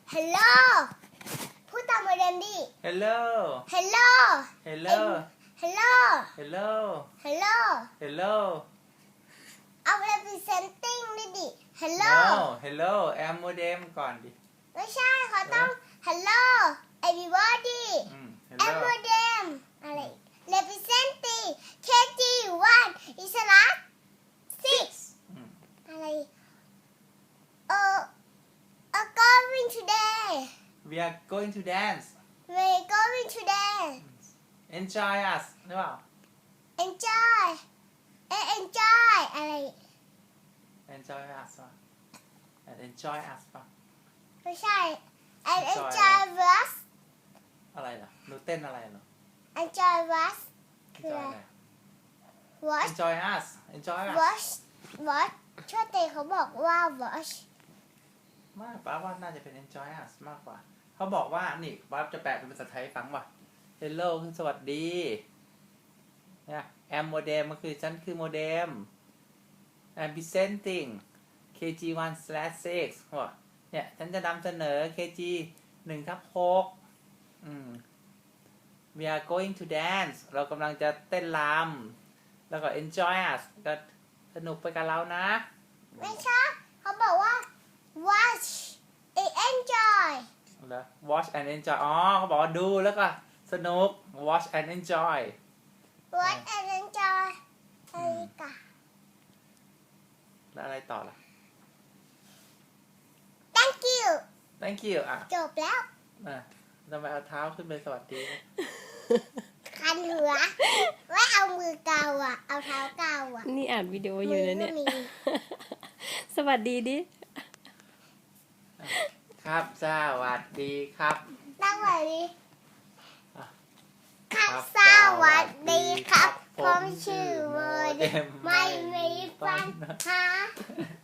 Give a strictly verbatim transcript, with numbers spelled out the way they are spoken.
Hello พูดตามโมเดมดิ Hello Hello Hello Hello Hello Hello Hello เอา representing ด้วยดิ Hello No Hello Am modem ก่อนดิไม่ใช่เขาต้อง Hello everybody อืม a Hello modem อะไร representing เค จี one อิสระ six อืมอะไรเออ are going today We are going to dance we're going today Enjoy us หรือเปล่า enjoy เอ enjoy อะไร Enjoy us ป่ะ Enjoy us ป่ะไม่ใช่ and Enjoy enjoy us อะไรล่ะหนูเต้นอะไรเหรอ enjoy us คือ Enjoy อะไรอะไร watch Enjoy us Enjoy us watch watch ช่วยเตเขาบอกว่า watch มากป้าว่าน่าจะเป็น Enjoy us มากกว่าเขาบอกว่านี่ป้าจะแปลเป็นภาษาไทยให้ฟังว่ะ Hello คือสวัสดีเนี่ย Am modem มันคือฉันคือโมเด็ม I'm presenting เค จี one slash six ว่ะเนี่ยฉันจะนำเสนอ เค จี หนึ่งทับหกอืม We are going to dance เรากำลังจะเต้นรำแล้วก็ enjoy us ก็สนุกไปกับเรานะไม่ใช่เขาบอกว่า watch and enjoy เหรอ watch and enjoy อ๋อเขาบอกว่าดูแล้วก็สนุก watch and enjoy watch and enjoy อะไรกันแล้วอะไรต่อล่ะ thank you thank you อ่ะจบแล้วอ่ะทำไมเอาเท้าขึ้นไปสวัสดีนะคันหัวไม่เอามือเกาอ่ะ เอาเท้าเกาอ่ะนี่อ่านวิดีโออยู่นะเนี่ยมือก็มีสวัสดีดิครับสวัสดีครับตั้งไว้ดิอ่ะครับสวัสดีครับ ผมชื่อโมเดลไม่มีปัญหา